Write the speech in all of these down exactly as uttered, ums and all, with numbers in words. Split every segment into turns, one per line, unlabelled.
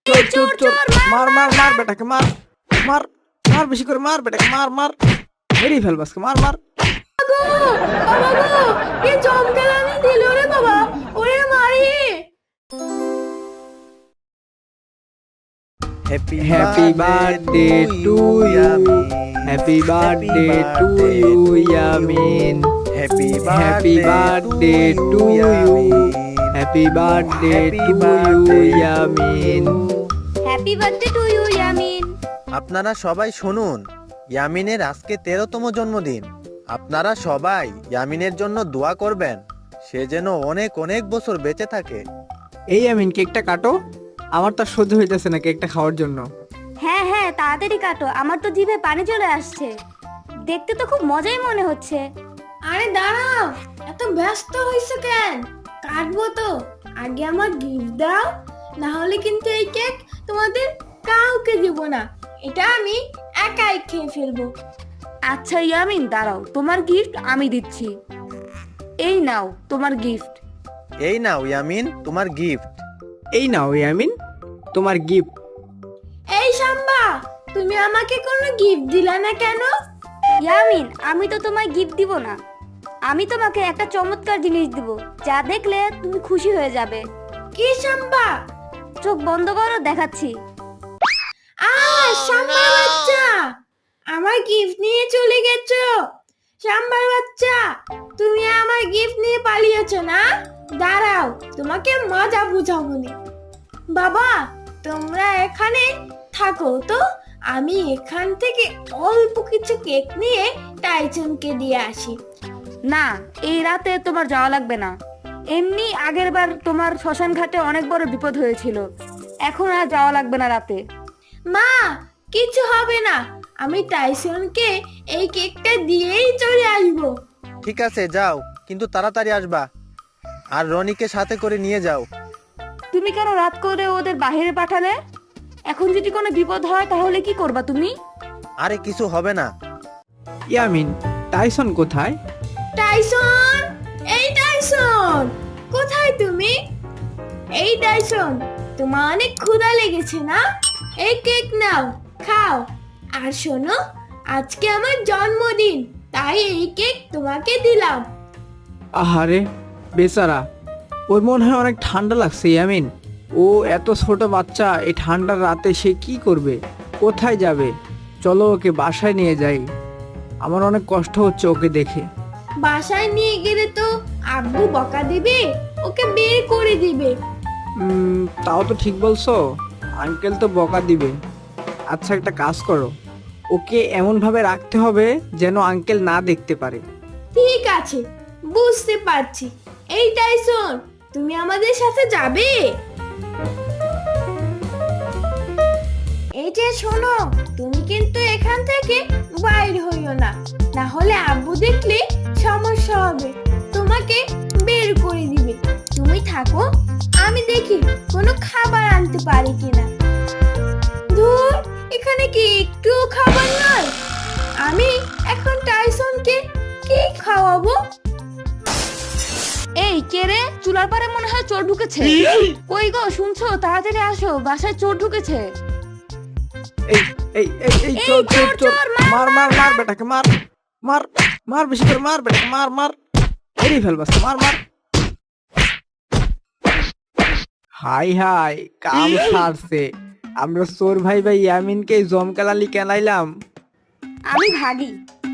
চোর চোর চোর মার মার মার বেটাকে মার মার মার বেশি করে মার বেটাকে মার মার মেরেই ফেল বাসকে মার মার
গো বাবা গো কি চমকালামি দিল রে বাবা ওরে মারি
Happy
happy birthday to you happy birthday to you Yamin
Happy
happy birthday to you happy birthday to you Yamin
happy birthday to you Yamin.
আপনারা সবাই শুনুন, ইয়ামিনের আজকে তেরোতম জন্মদিন। আপনারা সবাই ইয়ামিনের জন্য দোয়া করবেন, সে যেন অনেক অনেক বছর বেঁচে থাকে।
এই ইয়ামিন কেকটা কাটো, আমার তো আর সহ্য হইতেছে না কেকটা খাওয়ার জন্য।
হ্যাঁ হ্যাঁ তাড়াতাড়ি কাটো, আমার তো জিভে পানি চলে আসছে, দেখতে তো খুব মজাই মনে হচ্ছে। আরে দাঁড়াও, এত ব্যস্ত হইছো কেন? কাটবো তো, আগে আমার গিফট দাও, না হলে কিন্তু এই কেক তোমাদের কাউকে দিব না, এটা আমি একাই খেয়ে ফেলবো। আচ্ছা ইয়ামিন দাঁড়াও, তোমার গিফট আমি দিচ্ছি, এই নাও তোমার গিফট।
এই নাও ইয়ামিন তোমার গিফট।
এই নাও ইয়ামিন তোমার গিফট।
এই শাম্বা, তুমি আমাকে কোনো গিফট দিলা না কেন? ইয়ামিন, আমি তো তোমায় গিফট দিব না, আমি তোমাকে একটা চমৎকার জিনিস দিব, যা দেখলে তুমি খুশি হয়ে যাবে। কি শাম্বা? চোখ বন্ধ করো, দেখাচ্ছি। আ শাম্বার বাচ্চা, আমার গিফট নিয়ে চলে গেছো। শাম্বার বাচ্চা, তুমি আমার গিফট নিয়ে পালিয়েছো না? দাঁড়াও, তোমাকে মজা বুঝাবো নি। বাবা, তোমরা এখানে থাকো তো, আমি এখান থেকে অল্প কিছু কেক নিয়ে টাইসনকে দিয়ে আসি। না, এই রাতে তোমার যাওয়া লাগবে না, এমনি আগের বার তোমার শ্মশান ঘাটে অনেক বড় বিপদ হয়েছিল, এখন আর যাওয়া লাগবে না রাতে। মা, কিছু হবে না, আমি টাইসনকে এই কেকটা দিয়েই চলে আসবো।
ঠিক আছে যাও, কিন্তু তাড়াতাড়ি আসবা, আর রনিকে সাথে করে নিয়ে যাও।
তুমি কেন রাত করে ওদের বাইরে পাঠালে? এখন যদি কোনো বিপদ হয় তাহলে কি করবা তুমি?
আরে কিছু হবে না।
ইয়ামিন, টাইসন কোথায়?
টাইসন, এই টাইসন, কোথায় তুমি? এই টাইসন, তোমার অনেক ক্ষুধা লেগেছে না? এই কেক নাও, খাও। আর শোনো, আজকে আমার জন্মদিন, তাই এই কেক তোমাকে দিলাম।
আহারে বেচারা, ওর মনে হয় অনেক ঠান্ডা লাগছে ইয়ামিন। ও এত ছোট বাচ্চা, এই ঠান্ডার রাতে সে কি করবে, কোথায় যাবে? চলো ওকে বাসায় নিয়ে যাই, আমার অনেক কষ্ট হচ্ছে ওকে দেখে।
বাসায় নিয়ে গেলে তো আব্বু বকা দিবে, ওকে বের করে দিবে।
উম, তাও তো ঠিক বলছো, আঙ্কেল তো বকা দিবে। আচ্ছা একটা কাজ করো, ওকে এমন ভাবে রাখতে হবে যেন আঙ্কেল না দেখতে পারে।
ঠিক আছে, বুঝতে পারছি। এই টাইসন, তুমি আমাদের সাথে যাবে? এই যে শোনো, তুমি কিন্তু এখান থেকে বাইর হইও না, না হলে আব্বু দেখলে সমস্যা হবে, তোমাকে বের করে দিবে। তুমি থাকো, আমি দেখি কোনো খাবার আনতে পারি কিনা। ধুর, এখানে কি একটু খাবার নয়? আমি এখন টাইসনকে কি খাওয়াবো? এই কে রে? চুলার পারে মনে হয় চোর ঢুকেছে। কই গো, শুনছো? তাড়াতাড়ি আসো, বাসায় চোর ঢুকেছে।
এই এই এই এই
এই
চোর চোর
চোর,
চোর
চোর, মার,
মার মার মার বেটাকে মার মার মার বেশি করে মার বেটাকে মার মার মেরেই ফেল বাসকে মার মার। হাই হাই, কাম সারছে, আমরা চোর ভাই ভাই ইয়ামিনকে জমকালালি কেনাইলাম।
আমি ভাগি।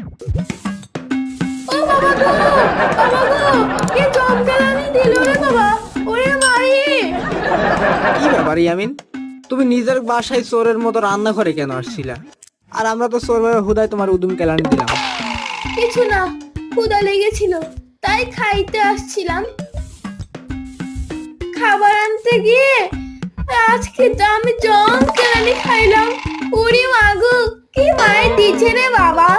ও বাবা গো, বাবা গো, কি চমকালামি দিল রে বাবা, ওরে মারি।
কি ব্যাপার ইয়ামিন, তুমি নিজের বাসায় চোরের মতো রান্না করে কেন আসছিলা? আর আমরা তো চোর ভাই হুদাই তোমার উদুম কেলানি দিলাম।
কিছু না, ক্ষুধা লেগেছিল, তাই খাইতে আসছিলাম। খাবার আনতে গিয়ে আজকে তো আমি জম কেলানি খাইলাম। ওরে মাগো, কি মায়ের দিচ্ছে রে বাবা।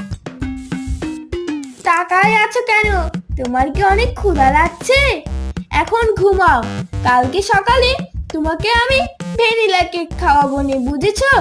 তাকায় আছো কেন? তোমার কি অনেক ক্ষুধা লাগছে? এখন ঘুমাও, কালকে সকালে তোমাকে আমি ভ্যানিলা কেক খাওয়াবো নি, বুঝেছো?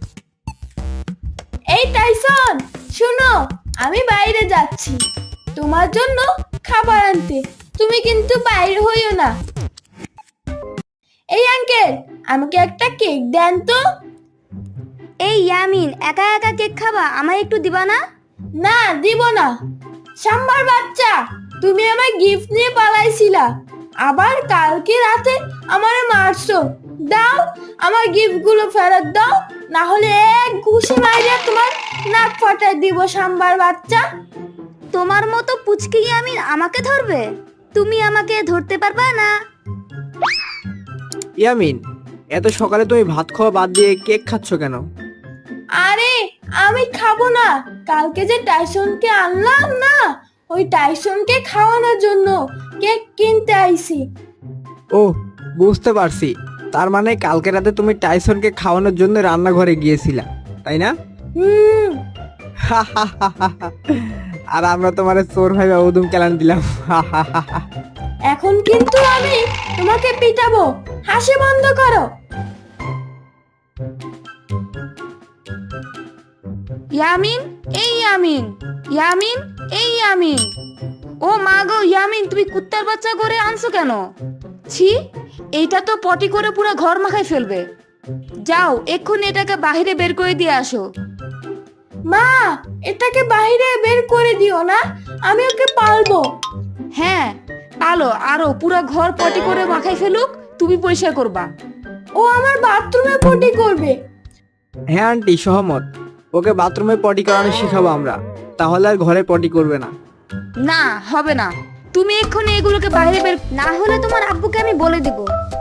এই টাইসন, শুনো, আমি বাইরে যাচ্ছি তোমার জন্য খাবার আনতে, তুমি কিন্তু বাইরে হইও না। এই আঙ্কেল,
আমাকে একটা কেক দেন তো।
এই ইয়ামিন, একা একা কেক খাবা, আমায় একটু দিবা না?
না, দিব না। সাম্বার বাচ্চা, তুমি আমার গিফট নিয়ে পালাইছিলা, আবার কালকে রাতে আমারে মারছো। দাও, আমার গিফট গুলো ফেরত দাও, না হলে এক ঘুষি মাইরা তোমার নাক ফাটাই দিব সাম্বার বাচ্চা।
তোমার মতো পুচকি ইয়ামিন আমাকে ধরবে? তুমি আমাকে ধরতে পারবা না।
ইয়ামিন, এত সকালে তুমি ভাত খাওয়া বাদ দিয়ে কেক খাচ্ছ কেন?
আরে আমি খাবো না, কালকে যে টাইসনকে আনলাম না, ওই টাইসনকে খাওয়ানোর জন্য কেক কিনতে আইছি।
ও, বুঝতে পারছি। তার মানে কালকে রাতে তুমি টাইসনকে খাওয়ানোর জন্য রান্নাঘরে গিয়েছিলা, তাই না?
হুম।
আর আমরা তোমার চোর ভাইবা উদুম কেলান দিলাম।
এখন কিন্তু আমি তোমাকে পিটাবো, হাসি বন্ধ করো।
ইয়ামিন, এই ইয়ামিন, ইয়ামিন, এই ইয়ামিন। ও মা গো ইয়ামিন, তুমি কুত্তার বাচ্চা করে আনছো কেন? ছি, এইটা তো পটি করে পুরো ঘর মাখায় ফেলবে। যাও এক্ষুনি এটাকে বাইরে বের করে দিয়ে আসো।
মা, এটাকে বাইরে বের করে দিও না, আমি ওকে পালবো।
হ্যাঁ পালো, আরো পুরো ঘর পটি করে মাখায় ফেলুক, তুমি পরিষ্কার করবা।
ও আমার বাথরুমে পটি করবে।
হ্যাঁ আন্টি, সহমত। ওকে বাথরুমে পটি করানো শিখাবো আমরা, তাহলে আর ঘরে পটি করবে না।
না হবে না, তুমি এক্ষুনি এগুলোকে বাইরে বের।
না হলে তোমার আব্বুকে আমি বলে দিব।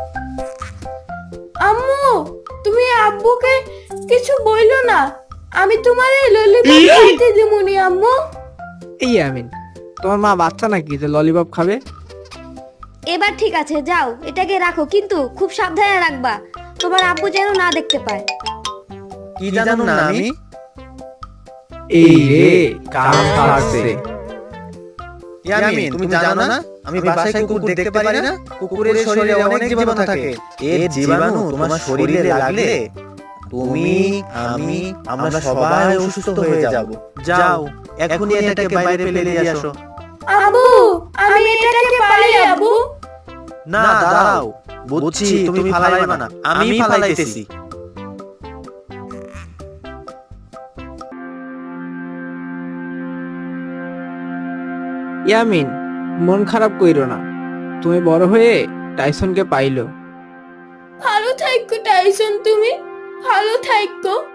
আম্মু, তুমি আব্বুকে কিছু বইলো না, আমি তোমার এই ললিপপ খাইতে দিমুনি আম্মু।
এই ইয়ামিন, তোমার মা বাচ্চা নাকি যে ললিপপ খাবে?
এবার ঠিক আছে, যাও এটাকে রাখো, কিন্তু খুব সাবধানে রাখবা, তোমার আব্বু যেন না দেখতে পায়।
কি জানো না আমি?
এই রে, কাম ফাটছে।
ইয়ামিন, তুমি জানো না আমি বাসায় কুকুর দেখতে পারি না? কুকুরের শরীরে অনেক জীবাণু থাকে। এর জীবাণু তোমার শরীরে লাগলে তুমি, আমি, আমরা সবাই অসুস্থ হয়ে যাব। যাও এখনই এটাকে বাইরে ফেলে দিয়ে আসো।
আব্বু, আমি এটাকে পারি আব্বু।
না, দাঁড়াও, বুঝছি তুমি ফালাইবা না, আমি ফালাইতেছি।
ইয়ামিন, মন খারাপ কইরো না, তুমি বড় হয়ে টাইসনকে পাইলো।
ভালো থাইকো টাইসন, তুমি ভালো থাইকো।